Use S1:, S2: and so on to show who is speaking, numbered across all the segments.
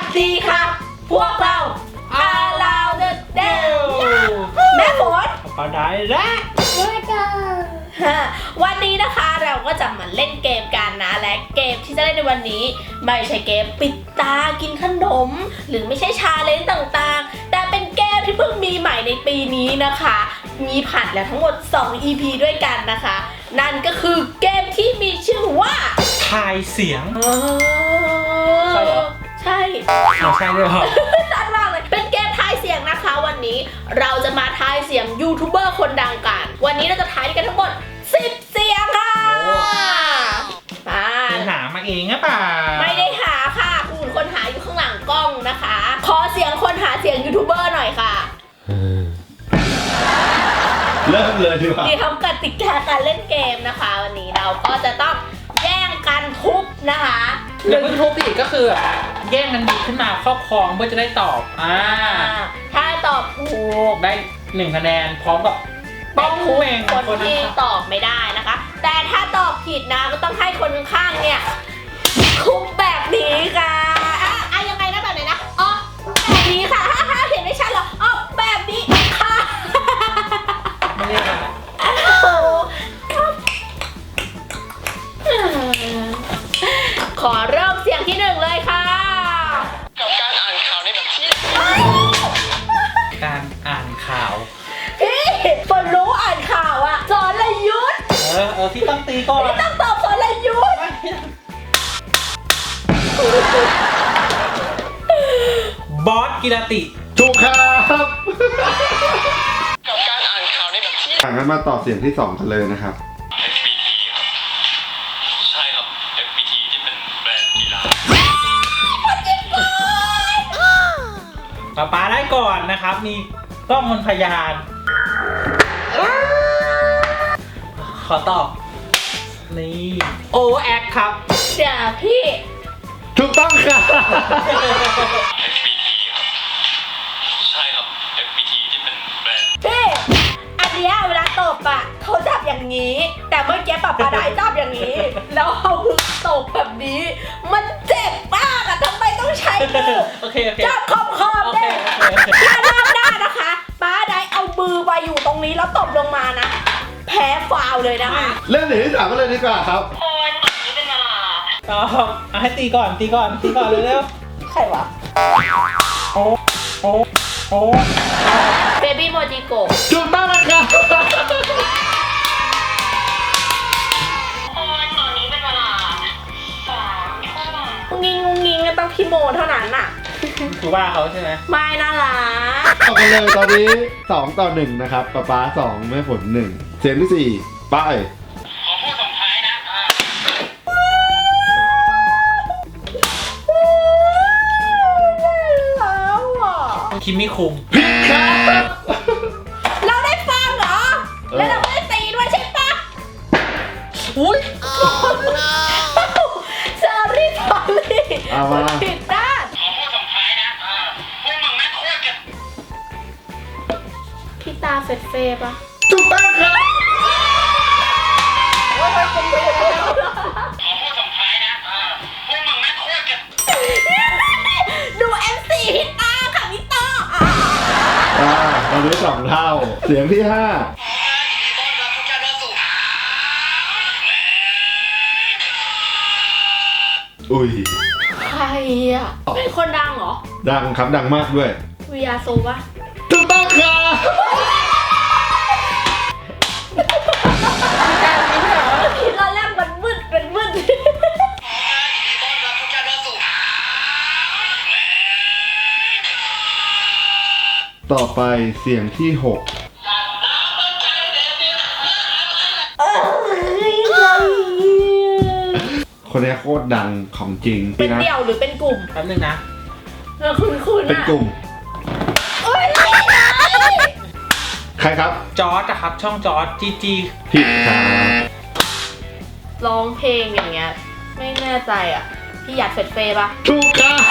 S1: ดีครับพวกเราอาลาวเดอะเดลแม่ฝน
S2: ปาได้แล้ว
S1: วันนี้นะคะเราก็จะมาเล่นเกมกันนะและเกมที่จะเล่นในวันนี้ไม่ใช่เกมปิดตากินขนมหรือไม่ใช่ชาเลนจ์ต่างๆแต่เป็นเกมที่เพิ่งมีใหม่ในปีนี้นะคะมีผ่านแล้วทั้งหมด2 EP ด้วยกันนะคะนั่นก็คือเกมที่มีชื่อว่า
S2: ทายเสียง
S1: ใช่เหรอใช่
S2: ใช่ด้วยเหรอ
S1: ชัดมากเลยเป็นเกมทายเสียงนะคะวันนี้เราจะมาทายเสียงยูทูบเบอร์คนดังกันวันนี้เราจะทายกันทั้งหมด10 เสียงค่ะ
S2: คุณหามาเองหรือเปล่า
S1: ไม่ได้หาค่ะคุณคนหาอยู่ข้างหลังกล้องนะคะขอเสียงคนหาเสียงยูทูบเบอร์หน่อยค่ะ
S2: เริ่มเลยดีกว่า
S1: ที่ทำกติกาการเล่นเกมนะคะวันนี้เราก็จะต้องแย่งกันทุบนะคะ
S2: หรือทุบอีกก็คือแย่งกันดีขึ้นมาครอบครองเพื่อจะได้ตอบ
S1: ถ้าตอบถูก
S2: ได้1 คะแนนพร้อมกับ
S1: ต้องทุบคนที่ตอบไม่ได้นะคะแต่ถ้าตอบผิดนะก็ต้องให้คนข้างเนี่ยทุบแบบนี้ค่ะยังไงนะแบบไหนนะอ๋อแบบนี้ค่ะถ้าเห็นไม่ชัดหรออ๋อแบบนี้ค่ะ
S2: ไม่ได้ค่ะ
S1: ขอเริ่มเสียงที่1เลยค่ะ
S3: กับการอ่านข่าวในแบบที่
S2: การอ่านข่าว
S1: พี่ฝนรู้อ่านข่าวอะสรยุทธ
S2: ที่ต้องตีก่อน
S1: ที่ต้องตอบสรยุทธ
S2: บอสกิรติ
S4: ถูกครับ
S3: กับการอ่านข่าวในแบบที่
S4: งั้นมาต่อเสียงที่2กันเลยนะครับ
S3: FPT ครับใช่ครับ FPT ที่เป็นแบรนด์กีฬา
S2: ป๊าได้ก่อนนะครับมีกล้องมนพยานขอตอบนี่โอแอคครับ
S1: เดี๋ยวพี่
S4: ถูกต้องครับ
S3: FPT ครับใช่ครับ FPT ที่เป็นแบรนด์
S1: พี่อันเนี้ยเวลาตบอะเขาจับอย่างนี้แต่เมื่อกี้ปาได้จับอย่างนี้แล้วเอามือตบแบบนี้มันเจ็บมากอะทำไมต้องใช้มือจับขอบๆเนี่ยถ้ารอบหน้านะคะป้าได้เอามือมาอยู่ตรงนี้แล้วตบลงมานะแพ้ฟาวเลยนะคะ
S4: เล่นหนึ่งที่3ก็เลยดีกว่าครับ
S1: โอ้ยแบบนี้เป็นเวลา
S2: ต่อให้ตีก่อนเร็ว
S1: ใครวะ
S2: โอ้
S1: เบบี้โมจิโกะ
S4: ถูกต้องนะครับ
S1: โอ้ยตอนนี้เป็นเวลางงิงก็ต้องพี่โมเท่านั้นน่ะ
S2: คือว่าเขาใช่ไหม
S1: ไม่น่ารัก
S4: ต่อกันเลยตอนนี้2-1นะครับป๊า2แม่ฝน1เสียงที่4ไป
S3: ขอพูดส่งท้ายนะ
S2: คิมมี่คุง
S4: ผิดครับ
S1: เราได้ฟังเหรอแล้วเราไม่ได้ตีด้วยใช่ปะ
S2: อุ้ย
S1: สอรี่
S4: เอามา
S1: ผิดด้าน
S3: ขอพูดส่งท้ายนะพวกมึงแม่งโคตรเก็บ
S1: พี่ตาเฟดเฟปะ
S4: ถูกต้องครับ
S3: ขอพูดส่งท้ายนะพวกมึงแม่งโคตรเก็บ
S1: ดู MC พี่ตาค่ะพี่ตา
S4: ตอนนี้2 เท่าเสียงที่5อุ้ย
S1: ใครอ่ะเป็นคนดังเหรอ
S4: ดังครับดังมากด้วย
S1: วิยาโซวะ
S4: ถูกต้องครับ
S1: ตอนแรกมันมืด
S4: ต่อไปเสียงที่6คนนี้โคตรดังของจริง
S1: เป็นเดี่ยวหรือเป็นกลุ่ม
S2: แป๊บนึงนะ
S1: คุณ
S4: เป็นกลุ่มใครครับ
S2: จอร์จครับช่องจอร์จจี
S4: ผิดครับ
S1: ร้องเพลงอย่างเงี้ยไม่แน่ใจอ่ะพี่หยัดเฟดเฟปะ
S4: ถูกครับ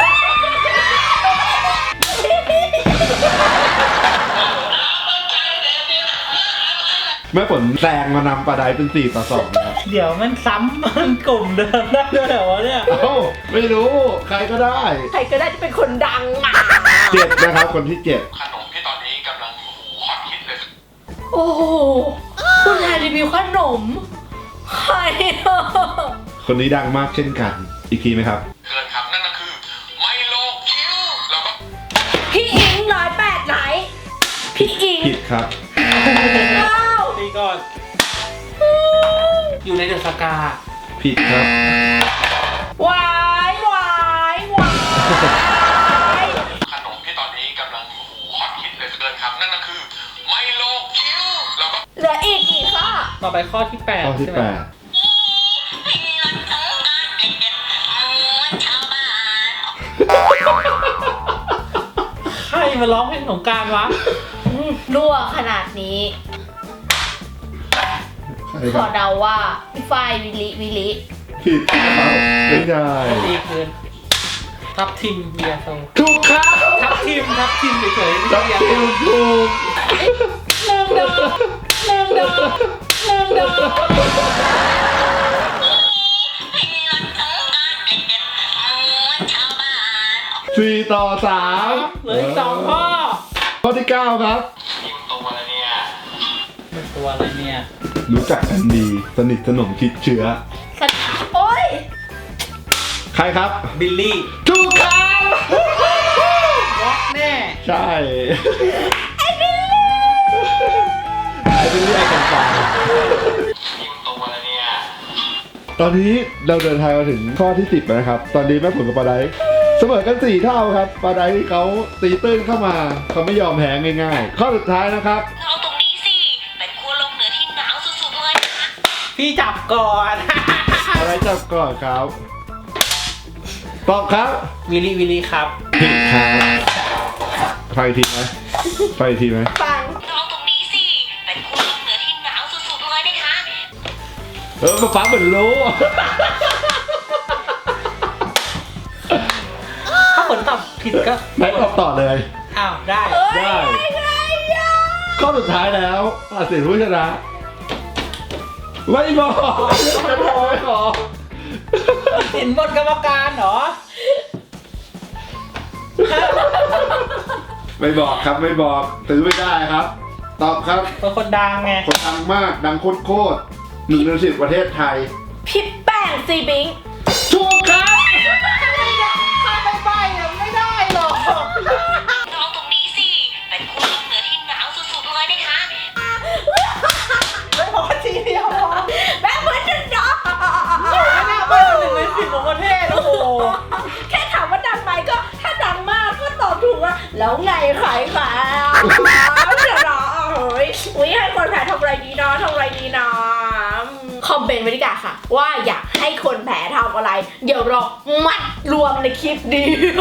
S4: แม่ฝนแซงมานำปลาไดเป็น4-2นะครับ
S2: เดี๋ยวมันซ้ำมันกลุ่มเดิมได้ด้วยเหรอวะเนี่ย
S4: เอ้าไม่รู้ใครก็ได้
S1: ใครก็ได้จะเป็นคนดังอ่ะ
S4: 7นะครับคนที่ 7
S3: ขนมที่ตอนนี้กำลังฮอตฮิตเลย
S1: โอ้โหคุณนายรีวิวขนมใครอ่ะ
S4: คนนี้ดังมากเช่นกัน อีกทีไหมครับ
S3: เกินครับนั่นก็คือไมโลคิวแล้วก็
S1: พี่อิง108ไหนพี่อิง
S4: ผิดครับ
S1: ว้าว
S2: ตีก่อน อยู่ในเดอะสกา
S4: ผิดครับ
S1: หวายหวายหวาย
S3: ขนมที่ตอนนี้กำลังฮอตฮิตเลยเกินครับนั่นก็คือไมโลคิวแล้วก็
S1: เหลืออีกกี่ข้อ
S2: ต่อไปข้อที่8
S4: ข้อที่
S2: ใช่ไหม ใครมาร้องเพลงสงกรานต์วะ
S1: รั่วขนาดนี้
S4: 8 ใคร
S1: ข
S4: ค
S1: อ
S4: รับ
S1: เดาว่าพี่ฝ้ายวิลิ
S4: ผิดครับไม่ใช่
S2: ตีคืนทับทิมเบียร์โซ
S4: ถูกครับ
S2: ทับทิมเฉยๆไม่
S4: จั
S2: ใช่
S4: บ
S2: เบียร์
S4: คิวถูก
S1: หนึ่งดอกหนึ่งดอกหนึ่งดอก
S4: 4-3
S2: เหลืออีก2 ข้อ
S4: ข้อที่ 9 ครับ
S3: นี่มันตรงมาแล้วเนี่ย
S2: เป็นตัวอะไรเนี่ย
S4: รู้จักกันดีสนิทสนมคิดเชื้อ
S1: โอ๊ย
S4: ใครครับ
S2: บิลลี่
S4: ถูกครับ
S2: วอกแน่
S4: ใช่ ไอ้บิลลี่ไอ้กันฟัง
S3: นี่มันตรงมาแล้วเนี่ย
S4: ตอนนี้เราเดินทางมาถึงข้อที่ 10แล้วนะครับ ตอนนี้แม่ผลกับปลาไดเสมอกัน4 เท่าครับปลาไดเขาตีตื้นเข้ามาเขาไม่ยอมแพ้ง่ายๆ ข้อสุดท้ายนะครับ
S5: เอาตรงนี้สิ เป็นขั้วโลกเหนือที่หนาวสุดๆเลยนะคะ
S2: พี่จับก่อน
S4: อะไรจับก่อนครับ ตอบครับ
S2: วิลลี่ครับ
S4: ผิดครับไฟทีไหมไฟทีไหม
S1: ฟัง
S5: เอาตรงนี้สิ เป็นขั้วโลกเหนือที่หนาวสุดๆเลยนะคะ
S4: ฟ้าเหมือนรู้
S2: ถ้าผลตอบผิดก็
S4: ไหนตอบต่อเลย
S2: อ้าวได้
S4: ได้ ข้อสุดท้ายแล้วตัดสินผู้ชนะ ไม่บอกจะโทรไม่บอก
S2: เห็นบนกรรมการเหรอ
S4: ไม่บอกครับไม่บอกถือไม่ได้ครับ ตอบครับ
S2: เป็นคนดังไง
S4: คนดังมากดังโคตรๆ1 ใน 10ประเทศไทย
S1: พี่แป้งซีบิง
S4: ถูกครับ
S2: ถ้าไม่ใบอะไม่ได้หรอก
S5: เอาตรงนี้สิ เป็นขั้วโลกเหนือที่หนาวสุดๆเลยนะคะ
S2: ไม่พอทีเดียวพอ
S1: แม่เหมือนจะดอก
S2: ไม่น่าใบ1 ใน 10ของประเทศโอ้โห
S1: แค่ถามว่าดังไหมก็ถ้าดังมากก็ตอบถูกอะแล้วไงใครค่ะเดี๋ยวรอเฮ้ยอุ๊ยให้คนแพ้ทำอะไรดีนะทำอะไรดีนะคอมเมนต์ไว้ดีกว่าค่ะ ว่าอยากให้คนแพ้ทำอะไร เดี๋ยวเรามัดรวมในคลิปเดียว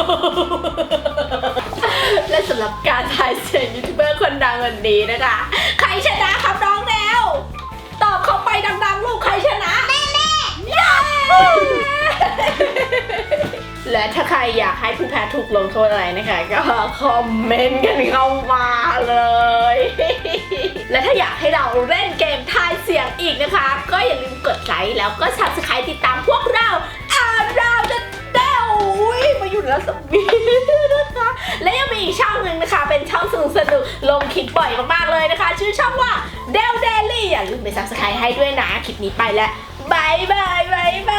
S1: และสำหรับการทายเสียงยูทูบเบอร์คนดังวันนี้นะคะ ใครชนะครับน้องแนวตอบเข้าไปดังๆลูกใครชนะแม่เย้ และถ้าใครอยากให้ผู้แพ้ถูกลงโทษอะไรนะคะก็คอมเมนต์กันเข้ามาเลย และถ้าอยากให้เราเล่นเกมทายเสียงอีกนะคะ ก็อย่าลืมกดไลค์แล้วก็ Subscribe ติดตามพวกเราเราจะเด้วมาอยู่แล้วสมีนะคะ และยังมีอีกช่องหนึ่งนะคะ เป็นช่องสนุกลงคลิปบ่อยมากๆเลยนะคะ ชื่อช่องว่าเดลเดลี่อย่าลืมไป Subscribe ให้ด้วยนะคลิปนี้ไปแล้วบายบายบายบาย